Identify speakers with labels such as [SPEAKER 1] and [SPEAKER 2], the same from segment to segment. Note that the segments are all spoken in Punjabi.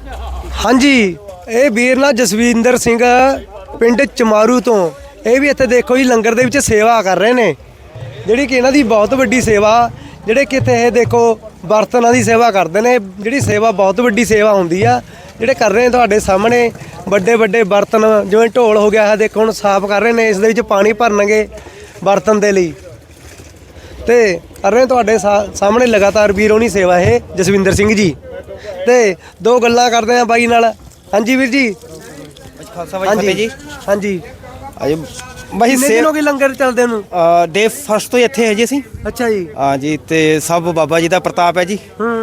[SPEAKER 1] ਹਾਂਜੀ ਇਹ ਵੀਰ ਨਾ ਜਸਵਿੰਦਰ ਸਿੰਘ ਪਿੰਡ ਚਮਾਰੂ ਤੋਂ ਇਹ ਵੀ ਇੱਥੇ ਦੇਖੋ ਜੀ ਲੰਗਰ ਦੇ ਵਿੱਚ ਸੇਵਾ ਕਰ ਰਹੇ ਨੇ, ਜਿਹੜੀ ਕਿ ਇਹਨਾਂ ਦੀ ਬਹੁਤ ਵੱਡੀ ਸੇਵਾ, ਜਿਹੜੇ ਕਿ ਇੱਥੇ ਇਹ ਦੇਖੋ ਬਰਤਨਾਂ ਦੀ ਸੇਵਾ ਕਰਦੇ ਨੇ, ਜਿਹੜੀ ਸੇਵਾ ਬਹੁਤ ਵੱਡੀ ਸੇਵਾ ਹੁੰਦੀ ਆ, ਜਿਹੜੇ ਕਰ ਰਹੇ ਨੇ ਤੁਹਾਡੇ ਸਾਹਮਣੇ ਵੱਡੇ ਵੱਡੇ ਬਰਤਨ, ਜਿਵੇਂ ਢੋਲ ਹੋ ਗਿਆ ਹੈ ਦੇਖੋ ਹੁਣ ਸਾਫ਼ ਕਰ ਰਹੇ ਨੇ, ਇਸ ਦੇ ਵਿੱਚ ਪਾਣੀ ਭਰਨਗੇ ਬਰਤਨ ਦੇ ਲਈ ਤੇ ਕਰ ਰਹੇ ਤੁਹਾਡੇ ਸਾਹਮਣੇ ਲਗਾਤਾਰ ਵੀਰ ਹੋਣੀ ਸੇਵਾ ਇਹ ਜਸਵਿੰਦਰ ਸਿੰਘ ਜੀ। ਤੇ ਦੋ ਗੱਲਾਂ ਕਰਦੇ ਆ ਬਾਈ ਨਾਲ। ਹਾਂਜੀ ਵੀਰ ਜੀ।
[SPEAKER 2] ਖਾਲਸਾ ਵਾਹਿਗੁਰੂ ਜੀ।
[SPEAKER 1] ਹਾਂਜੀ
[SPEAKER 2] ਅਜੇ ਬਾਈ
[SPEAKER 1] ਸੇਵਾ ਕੀ ਲੰਗਰ ਚੱਲਦੇ ਨੂੰ
[SPEAKER 2] ਡੇ ਫਸਟ ਤੋਂ ਇੱਥੇ ਹੈ ਜੀ ਅਸੀਂ।
[SPEAKER 1] ਅੱਛਾ ਜੀ।
[SPEAKER 2] ਹਾਂ ਜੀ ਤੇ ਸਭ ਬਾਬਾ ਜੀ ਦਾ ਪ੍ਰਤਾਪ ਹੈ ਜੀ।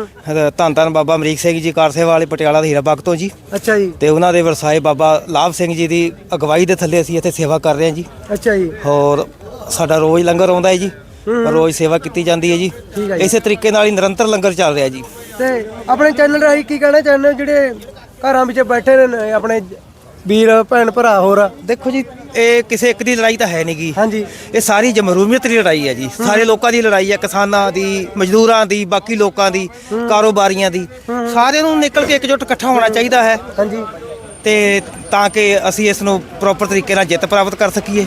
[SPEAKER 2] ਧੰਨ ਧੰਨ ਬਾਬਾ ਅਮਰੀਕ ਸਿੰਘ ਜੀ ਕਾਰਸੇਵਾ ਵਾਲੇ ਪਟਿਆਲਾ ਦੇ ਹੀਰਾ ਬਾਗ ਤੋਂ ਜੀ।
[SPEAKER 1] ਅੱਛਾ ਜੀ।
[SPEAKER 2] ਤੇ ਉਹਨਾਂ ਦੇ ਵਰਸਾਏ ਬਾਬਾ ਲਾਭ ਸਿੰਘ ਜੀ ਦੀ ਅਗਵਾਈ ਦੇ ਥੱਲੇ ਅਸੀਂ ਇੱਥੇ ਸੇਵਾ ਕਰ ਰਹੇ ਹਾਂ ਜੀ।
[SPEAKER 1] ਅੱਛਾ ਜੀ।
[SPEAKER 2] ਹੋਰ ਸਾਡਾ ਰੋਜ਼ ਲੰਗਰ ਆਉਂਦਾ ਹੈ ਜੀ, ਰੋਜ਼ ਸੇਵਾ ਕੀਤੀ ਜਾਂਦੀ ਹੈ ਜੀ। ਇਸੇ ਤਰੀਕੇ ਨਾਲ ਹੀ ਨਿਰੰਤਰ ਲੰਗਰ ਚੱਲ ਰਿਹਾ ਜੀ।
[SPEAKER 1] ਤੇ ਆਪਣੇ ਚੈਨਲ ਰਾਹੀਂ ਕੀ ਕਹਿਣਾ ਚਾਹੁੰਦੇ ਹੋ ਜਿਹੜੇ ਘਰਾਂ ਵਿੱਚ ਬੈਠੇ ਨੇ ਆਪਣੇ ਵੀਰ ਭੈਣ ਭਰਾ? ਹੋਰ
[SPEAKER 2] ਦੇਖੋ ਜੀ ਇਹ ਕਿਸੇ ਇੱਕ ਦੀ ਲੜਾਈ ਤਾਂ ਹੈ ਨਹੀਂ ਗੀ।
[SPEAKER 1] ਹਾਂਜੀ
[SPEAKER 2] ਇਹ ਸਾਰੀ ਜਮਹੂਰੀਅਤ ਦੀ ਲੜਾਈ ਹੈ ਜੀ, ਸਾਰੇ ਲੋਕਾਂ ਦੀ ਲੜਾਈ ਹੈ, ਕਿਸਾਨਾਂ ਦੀ, ਮਜ਼ਦੂਰਾਂ ਦੀ, ਬਾਕੀ ਲੋਕਾਂ ਦੀ, ਕਾਰੋਬਾਰੀਆਂ ਦੀ। ਸਾਰਿਆਂ ਨੂੰ ਨਿਕਲ ਕੇ ਇਕਜੁੱਟ ਇਕੱਠਾ ਹੋਣਾ ਚਾਹੀਦਾ ਹੈ।
[SPEAKER 1] ਹਾਂਜੀ
[SPEAKER 2] ਤੇ ਤਾਂ ਕਿ ਅਸੀਂ ਇਸ ਨੂੰ ਪ੍ਰੋਪਰ ਤਰੀਕੇ ਨਾਲ ਜਿੱਤ ਪ੍ਰਾਪਤ ਕਰ ਸਕੀਏ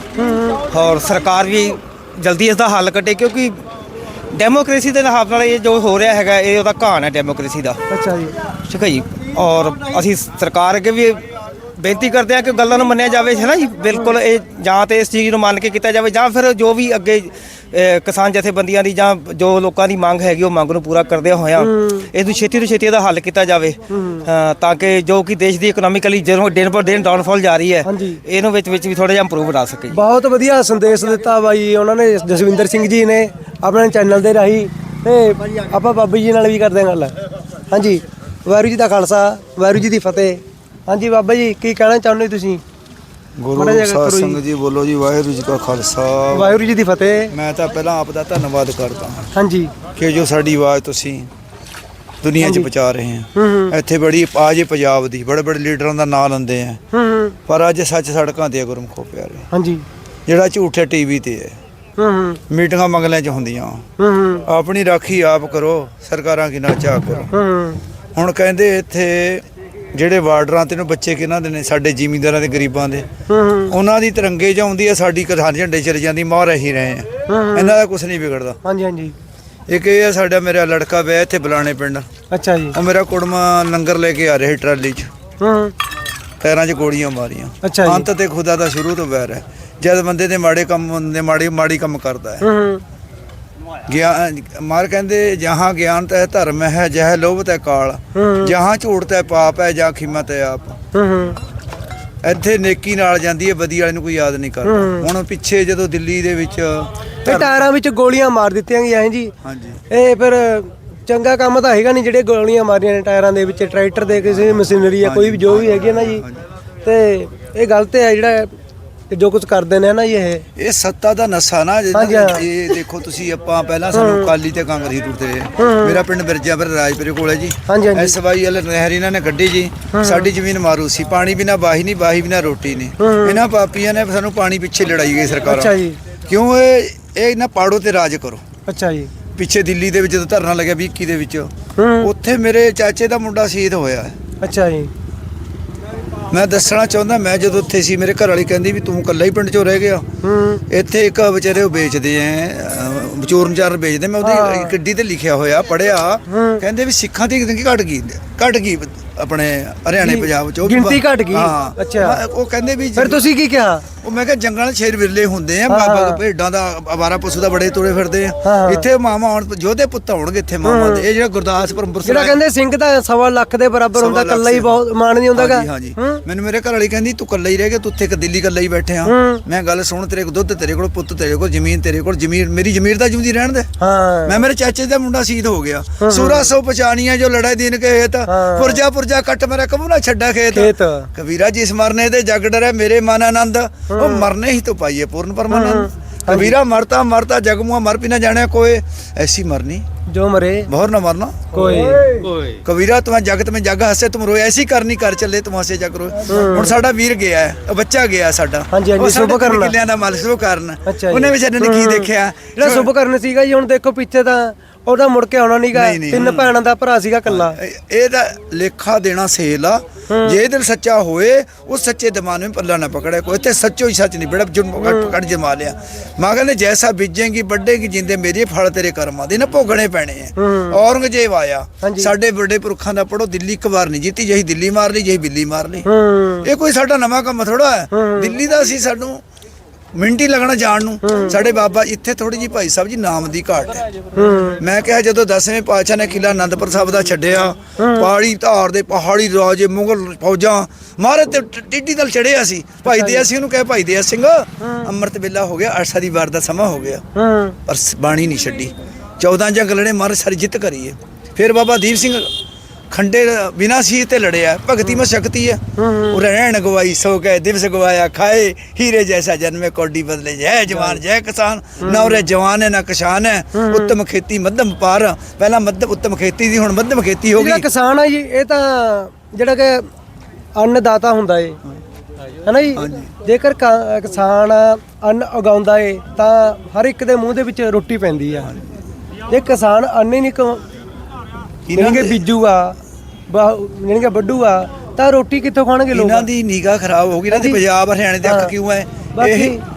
[SPEAKER 2] ਔਰ ਸਰਕਾਰ ਵੀ ਜਲਦੀ ਇਸ ਦਾ ਹੱਲ ਕੱਢੇ, ਕਿਉਂਕਿ ਡੈਮੋਕ੍ਰੇਸੀ ਦੇ ਹਿਸਾਬ ਨਾਲ ਇਹ ਜੋ ਹੋ ਰਿਹਾ ਹੈਗਾ ਇਹ ਉਹਦਾ ਘਾਣ ਹੈ ਡੈਮੋਕ੍ਰੇਸੀ ਦਾ।
[SPEAKER 1] ਅੱਛਾ ਜੀ।
[SPEAKER 2] ਠੀਕ ਹੈ ਜੀ। ਔਰ ਅਸੀਂ ਸਰਕਾਰ ਅੱਗੇ ਵੀ ਬੇਨਤੀ ਕਰਦੇ ਹਾਂ ਕਿ ਗੱਲਾਂ ਨੂੰ ਮੰਨਿਆ ਜਾਵੇ, ਹੈ ਨਾ ਜੀ। ਬਿਲਕੁਲ ਇਹ ਜਾਂ ਤੇ ਇਸ ਚੀਜ਼ ਨੂੰ ਮੰਨ ਕੇ ਕੀਤਾ ਜਾਵੇ ਜਾਂ ਫਿਰ ਜੋ ਵੀ ਅੱਗੇ ਕਿਸਾਨ ਜਥੇਬੰਦੀਆਂ ਦੀ ਜਾਂ ਜੋ ਲੋਕਾਂ ਦੀ ਮੰਗ ਹੈਗੀ ਉਹ ਮੰਗ ਨੂੰ ਪੂਰਾ ਕਰਦਿਆਂ ਹੋਇਆਂ ਇਸ ਨੂੰ ਛੇਤੀ ਤੋਂ ਛੇਤੀ ਇਹਦਾ ਹੱਲ ਕੀਤਾ ਜਾਵੇ, ਤਾਂ ਕਿ ਜੋ ਕਿ ਦੇਸ਼ ਦੀ ਇਕਨੋਮਿਕਲੀ ਜਦੋਂ ਦਿਨ ਪਰ ਦਿਨ ਡਾਊਨਫਾਲ ਜਾ ਰਹੀ ਹੈ ਇਹਨੂੰ ਵਿੱਚ ਵੀ ਥੋੜਾ ਜਿਹਾ ਇੰਪਰੂਵ ਬਣਾ ਸਕੇ।
[SPEAKER 1] ਬਹੁਤ ਵਧੀਆ ਸੰਦੇਸ਼ ਦਿੱਤਾ ਬਾਈ ਉਹਨਾਂ ਨੇ, ਜਸਵਿੰਦਰ ਸਿੰਘ ਜੀ ਨੇ ਆਪਣੇ ਚੈਨਲ ਦੇ ਰਾਹੀਂ। ਤੇ ਆਪਾਂ ਬਾਬਾ ਜੀ ਨਾਲ ਵੀ ਕਰਦੇ ਹਾਂ ਗੱਲ। ਹਾਂਜੀ ਵਾਹਿਗੁਰੂ ਜੀ ਦਾ ਖਾਲਸਾ ਵਾਹਿਗੁਰੂ ਜੀ ਦੀ ਫਤਿਹ। ਹਾਂਜੀ ਬਾਬਾ ਜੀ ਕੀ ਕਹਿਣਾ ਚਾਹੁੰਦੇ ਤੁਸੀਂ?
[SPEAKER 3] ਗੁਰੂ ਸਾਹਿਬ ਸੰਗਤ ਜੀ ਬੋਲੋ ਜੀ। ਵਾਹਿਗੁਰੂ ਜੀ ਕਾ ਖਾਲਸਾ
[SPEAKER 1] ਵਾਹਿਗੁਰੂ ਜੀ ਦੀ ਫਤਿਹ।
[SPEAKER 3] ਮੈਂ ਤਾਂ ਪਹਿਲਾਂ ਆਪ ਦਾ ਧੰਨਵਾਦ ਕਰਦਾ ਹਾਂ
[SPEAKER 1] ਹਾਂਜੀ
[SPEAKER 3] ਕਿ ਜੋ ਸਾਡੀ ਆਵਾਜ਼ ਤੁਸੀਂ ਦੁਨੀਆ 'ਚ ਪਹੁੰਚਾ ਰਹੇ ਹੋ। ਇੱਥੇ ਬੜੀ ਆਜ ਪੰਜਾਬ ਦੀ ਬੜੇ ਬੜੇ ਲੀਡਰਾਂ ਦਾ ਨਾਂ ਲੈਂਦੇ ਆ, ਪਰ ਅੱਜ ਸੱਚ ਸੜਕਾਂ ਤੇ ਗੁਰਮੁਖੋ ਪਿਆਰੇ। ਹਾਂਜੀ ਜਿਹੜਾ ਝੂਠ ਟੀਵੀ ਤੇ ਹੈ, ਮੀਟਿੰਗਾਂ ਮੰਗਲਿਆਂ 'ਚ ਹੁੰਦੀਆਂ। ਆਪਣੀ ਰਾਖੀ ਆਪ ਕਰੋ, ਸਰਕਾਰਾਂ ਕੀ ਨਾ ਚਾਹ ਕਰੋ। ਹੁਣ ਕਹਿੰਦੇ ਇੱਥੇ ਜਿਹੜੇ ਬਾਰਡਰਾਂ ਤੇ ਨੂੰ ਬੱਚੇ ਕਿਹਨਾਂ ਦੇ ਨੇ, ਸਾਡੇ ਜ਼ਿਮੀਂਦਾਰਾਂ ਦੇ, ਗਰੀਬਾਂ ਦੇ, ਉਹਨਾਂ ਦੀ ਤਿਰੰਗੇ 'ਚ ਆਉਂਦੀ ਹੈ, ਸਾਡੀ ਕਿਸਾਨ ਝੰਡੇ ਚਲੇ ਜਾਂਦੀ। ਮਾਰ ਰਹੀ ਰਹੇ ਆ, ਇਹਨਾਂ ਦਾ ਕੁਛ ਨਹੀਂ ਵਿਗੜਦਾ। ਹਾਂਜੀ ਹਾਂਜੀ। ਇੱਕ ਇਹ ਹੈ ਸਾਡਾ ਮੇਰਾ ਲੜਕਾ ਵਿਆਹ ਇੱਥੇ ਬੁਲਾਣੇ ਪਿੰਡ। ਅੱਛਾ ਜੀ। ਉਹ ਮੇਰਾ ਕੁੜਮਾ ਲੰਗਰ ਲੈ ਕੇ ਆ ਰਿਹਾ ਟਰਾਲੀ 'ਚ, ਪੈਰਾਂ 'ਚ ਗੋਲੀਆਂ ਮਾਰੀਆਂ। ਅੰਤ ਤੇ ਖੁਦਾ ਦਾ ਸ਼ੁਰੂ ਤੋਂ ਵੈਰ ਹੈ। ਜਦ ਬੰਦੇ ਦੇ ਮਾੜੇ ਕੰਮ ਹੁੰਦੇ, ਮਾੜੀ ਕੰਮ ਕਰਦਾ ਹੈ। ਗਿਆਨ ਮਾਰ ਕਹਿੰਦੇ ਜਹਾਂ ਗਿਆਨ ਤੈ ਧਰਮ ਹੈ, ਜਹ ਲੋਭ ਤੈ ਕਾਲ, ਜਹਾਂ ਝੂਠ ਤੈ ਪਾਪ ਹੈ, ਜਾਂ ਖਿਮਤ ਹੈ ਆਪ। ਇੱਥੇ ਨੇਕੀ ਨਾਲ ਜਾਂਦੀ ਹੈ, ਬਦੀ ਵਾਲੇ ਨੂੰ ਕੋਈ ਯਾਦ ਨਹੀਂ ਕਰਦਾ। ਹੁਣ ਪਿੱਛੇ ਜਦੋਂ ਦਿੱਲੀ ਦੇ ਵਿੱਚ
[SPEAKER 1] ਟਾਇਰਾਂ ਵਿੱਚ ਗੋਲੀਆਂ ਮਾਰ ਦਿੱਤੀਆਂ ਗਈਆਂ ਜੀ।
[SPEAKER 3] ਹਾਂਜੀ
[SPEAKER 1] ਇਹ ਫਿਰ ਚੰਗਾ ਕੰਮ ਤਾਂ ਹੈਗਾ ਨਹੀਂ, ਜਿਹੜੇ ਗੋਲੀਆਂ ਮਾਰੀਆਂ ਨੇ ਟਾਇਰਾਂ ਦੇ ਵਿੱਚ, ਟਰੈਕਟਰ ਦੇ, ਕਿਸੇ ਮਸ਼ੀਨਰੀ ਆ ਕੋਈ ਵੀ ਜੋ ਵੀ ਹੈਗੀ ਨਾ ਜੀ। ਤੇ ਇਹ ਗਲਤ ਹੈ ਜਿਹੜਾ ਜੋ ਕੁਝ ਕਰਦੇ ਨੇ ਨਾ ਜੀ। ਇਹ
[SPEAKER 3] ਸੱਤਾ ਦਾ ਨਸ਼ਾ ਨਾ। ਇਹ ਦੇਖੋ ਤੁਸੀਂ, ਆਪਾਂ ਪਹਿਲਾਂ ਸਾਨੂੰ ਅਕਾਲੀ ਤੇ ਕਾਂਗਰਸੀ ਟੁੱਟਦੇ ਰਹੇ। ਮੇਰਾ ਪਿੰਡ ਬਿਰਜਾਪੁਰ ਰਾਜਪੁਰੇ ਕੋਲ ਹੈ ਜੀ। SYL ਨਹਿਰ ਇਹਨਾਂ ਨੇ ਕੱਢੀ ਜੀ। ਸਾਡੀ ਜ਼ਮੀਨ ਮਾਰੂ ਸੀ, ਪਾਣੀ ਬਿਨਾ ਬਾਹੀ ਨਹੀਂ, ਬਾਹੀ ਬਿਨਾ ਰੋਟੀ ਨਹੀਂ। ਇਹਨਾਂ ਪਾਪੀਆਂ ਨੇ ਸਾਨੂੰ ਪਾਣੀ ਪਿੱਛੇ ਲੜਾਈ ਗਈ ਸਰਕਾਰਾਂ। ਕਿਉਂ ਇਹ ਇਹਨਾਂ ਪਾੜੋ ਤੇ ਰਾਜ ਕਰੋ। ਅੱਛਾ ਜੀ। ਪਿੱਛੇ ਦਿੱਲੀ ਦੇ ਵਿੱਚ ਜਦੋਂ ਧਰਨਾ ਲੱਗਿਆ 21 ਦੇ ਵਿੱਚ, ਉੱਥੇ ਮੇਰੇ ਚਾਚੇ ਦਾ ਮੁੰਡਾ ਸ਼ਹੀਦ ਹੋਇਆ। ਅੱਛਾ ਜੀ। ਮੈਂ ਦੱਸਣਾ ਚਾਹੁੰਦਾ, ਮੈਂ ਜਦੋਂ ਉੱਥੇ ਸੀ ਮੇਰੇ ਘਰ ਵਾਲੀ ਕਹਿੰਦੀ ਵੀ ਤੂੰ ਇਕੱਲਾ ਹੀ ਪਿੰਡ 'ਚੋਂ ਰਹਿ ਗਿਆ। ਇੱਥੇ ਇੱਕ ਵਿਚਾਰੇ ਉਹ ਵੇਚਦੇ ਐ, ਚੋਰ ਮਚਾਰ ਵੇਚਦੇ। ਮੈਂ ਉਹਦੀ ਗੱਡੀ ਤੇ ਲਿਖਿਆ ਹੋਇਆ ਪੜ੍ਹਿਆ, ਕਹਿੰਦੇ ਵੀ ਸਿੱਖਾਂ ਦੀ ਘਟ ਗਈ ਆਪਣੇ ਹਰਿਆਣੇ ਪੰਜਾਬ 'ਚ
[SPEAKER 1] ਗਿਣਤੀ ਘਟ ਗਈ। ਅੱਛਾ।
[SPEAKER 3] ਉਹ ਕਹਿੰਦੇ ਵੀ
[SPEAKER 1] ਫਿਰ ਤੁਸੀਂ ਕੀ ਕਿਹਾ?
[SPEAKER 3] ਉਹ ਮੈਂ ਕਿਹਾ ਜੰਗਲਾਂ 'ਚ ਸ਼ੇਰ ਵਿਰਲੇ ਹੁੰਦੇ ਆ, ਭੇਡਾਂ ਦਾ, ਅਵਾਰਾ ਪਸ਼ੂ ਦਾ ਬੜੇ ਤੋੜੇ ਫਿਰਦੇ ਆ। ਇੱਥੇ ਮਾਮਾ ਹੁਣ ਯੋਧੇ ਪੁੱਤ ਹੋਣਗੇ ਇੱਥੇ ਮਾਮਾ ਦੇ। ਇਹ ਜਿਹੜਾ ਗੁਰਦਾਸਪੁਰ ਅੰਮ੍ਰਿਤਸਰ
[SPEAKER 1] ਜਿਹੜਾ ਕਹਿੰਦੇ ਸਿੰਘ ਤਾਂ 1.25 ਲੱਖ ਦੇ ਬਰਾਬਰ ਹੁੰਦਾ, ਇਕੱਲਾ ਹੀ ਬਹੁਤ ਮਾਣ ਨਹੀਂ ਹੁੰਦਾਗਾ।
[SPEAKER 3] ਹਾਂਜੀ। ਮੈਨੂੰ ਮੇਰੇ ਘਰ ਵਾਲੀ ਕਹਿੰਦੀ ਤੂੰ ਇਕੱਲਾ ਹੀ ਰਹਿ ਗਿਆ, ਤੂੰ ਉੱਥੇ ਦਿੱਲੀ ਇਕੱਲਾ ਹੀ ਬੈਠੇ ਆ। ਮੈਂ ਗੱਲ ਸੁਣ, ਤੇਰੇ ਕੋਲ ਦੁੱਧ, ਤੇਰੇ ਕੋਲ ਪੁੱਤ, ਤੇਰੇ ਕੋਲ ਜ਼ਮੀਨ, ਤੇਰੇ ਕੋਲ ਜ਼ਮੀਨ, ਮੇਰੀ ਜ਼ਮੀਰ ਦਾ ਜਿਉਂਦੀ ਰਹਿਣ ਦੇ। ਮੈਂ ਮੇਰੇ ਚਾਚੇ ਦਾ ਮੁੰਡਾ ਸ਼ਹੀਦ ਹੋ ਗਿਆ। ਸੂਰਾ ਸੋ ਪਛਾਣੀਆਂ ਜੋ ਲੜਾਈ ਦੀਨ ਕੇ ਹੇਤ, ਪੁਰਜਾ ਕੱਟ ਮੇਰਾ ਕਬੂ ਨਾ ਛੱਡਾ ਖੇਤ। ਕਬੀਰਾ ਜਿਸ ਮਰਨੇ ਤੇ ਜਗ ਡਰੇ, ਮੇਰੇ ਮਨ ਆਨੰਦ, ਉਹ ਮਰਨੇ ਹੀ ਤੋਂ ਪਾਈਏ ਪੂਰਨ ਪਰਮਾਨੰਦ। कबीरा मरता मरता जगमुआ मर भी ना जाने कोई, ऐसी मरनी जो मरे बहुत ना मरना कोई। कबीरा तुम्हें जगत में जग हसे तुम रोए, ऐसी करनी कर चले तुम हसे जग रोए। हुण साडा वीर गया है, बच्चा गया साडा, शुभ करना किलियां दा मालिक शुभ करना, ਉਹਨੇ ਵਿਚਾਰੇ ਨੇ ਕੀ ਦੇਖਿਆ ਜਿਹੜਾ
[SPEAKER 1] शुभ करना ਸੀਗਾ ਜੀ। ਹੁਣ ਦੇਖੋ ਪਿੱਛੇ ਤਾਂ ਉਹਦਾ ਮੁੜ ਕੇ ਆਉਣਾ ਨਹੀਂਗਾ।
[SPEAKER 3] ਨਹੀਂ, ਨਹੀਂ,
[SPEAKER 1] 3 ਭੈਣਾਂ ਦਾ ਭਰਾ ਸੀਗਾ ਕੱਲਾ।
[SPEAKER 3] ਇਹਦਾ ਲੇਖਾ ਦੇਣਾ ਸੇਲ ਆ। ਜੇ ਦਿਲ ਸੱਚਾ ਹੋਏ ਉਸ ਸੱਚੇ ਦਿਮਾਗ में पल्ला ना पकड़े कोई ते सच्चो ही सच नहीं बड़ा जुर्म पकड़ जमा लिया। मां कहने जैसा बीजेंगी बढ़ेगी जिंदे मेरे फल तेरे कर्मां दे ना भोगने पैने हैं। औरंगजेब आया साडे बड़े पुरखां दा पढ़ो दिल्ली एक बार नहीं जीती यही दिल्ली मार ली यही बिल्ली मार ली। ये कोई साडा नवां काम थोड़ा है। दिल्ली दा सी सानू ਮਿੰਟ ਹੀ ਲੱਗਣਾ ਜਾਣ ਨੂੰ। ਸਾਡੇ ਬਾਬਾ ਇੱਥੇ ਥੋੜੀ ਜੀ ਭਾਈ ਸਾਹਿਬ ਜੀ ਨਾਮ ਦੀ ਘਾਟ ਹੈ। ਮੈਂ ਕਿਹਾ ਜਦੋਂ 10ਵੇਂ ਪਾਤਸ਼ਾਹ ਨੇ ਕਿਲਾ ਆਨੰਦਪੁਰ ਸਾਹਿਬ ਦਾ ਛੱਡਿਆ ਪਹਾੜੀ ਧਾਰ ਦੇ ਪਹਾੜੀ ਰਾਜੇ ਮੁਗਲ ਫੌਜਾਂ ਮਾਰੇ ਤੇ ਟਿੱਡੀ ਦਲ ਚੜਿਆ ਸੀ। ਭਾਈ ਦਇਆ ਸਿੰਘ ਨੂੰ ਕਹੇ ਭਾਈ ਦਇਆ ਸਿੰਘ ਅੰਮ੍ਰਿਤ ਵੇਲਾ ਹੋ ਗਿਆ ਅਰਸਾ ਦੀ ਵਾਰ ਦਾ ਸਮਾਂ ਹੋ ਗਿਆ ਪਰ ਬਾਣੀ ਨਹੀਂ ਛੱਡੀ। 14 ਜੰਗ ਲੜੇ ਮਾਰੇ ਸਾਰੀ ਜਿੱਤ ਕਰੀਏ। ਫਿਰ ਬਾਬਾ ਦੀਪ ਸਿੰਘ खंडे बिना सी ते लड़िया भगती में शक्ति है। रहन गवाई सो गए दिवस गवाया खाए हीरे जैसा जन्मे कौडी बदले जय जवान जय किसान। ना उरे जवान है ना किसान है। उत्तम खेती मध्यम पार पहला मध्यम उत्तम खेती दी हुण मध्यम खेती हो गई।
[SPEAKER 1] किसान है जी ये ਤਾਂ ਜਿਹੜਾ ਕਿ ਅੰਨਦਾਤਾ ਹੁੰਦਾ ਏ ਹੈ ਨਾ ਜੀ। ਜੇਕਰ ਕਿਸਾਨ ਅੰਨ ਉਗਾਉਂਦਾ ਏ ਤਾਂ ਹਰ ਇੱਕ ਦੇ ਮੂੰਹ ਦੇ ਵਿੱਚ ਰੋਟੀ ਪੈਂਦੀ ਆ। ਜੇ ਕਿਸਾਨ ਅੰਨ ਹੀ ਨਹੀਂ ਇਹਨਾਂ ਬੀਜੂਗਾ ਜਾਨੀ ਕਿ ਵੱਢੂਗਾ ਤਾਂ ਰੋਟੀ ਕਿੱਥੋਂ ਖਾਣਗੇ ਲੋਕ।
[SPEAKER 3] ਇਹਨਾਂ ਦੀ ਨਿਗਾਹ ਖਰਾਬ ਹੋ ਗਈ। ਇਹਨਾਂ ਦੀ ਪੰਜਾਬ ਹਰਿਆਣੇ ਦੇ ਅੱਖ ਕਿਉਂ ਹੈ ਇਹ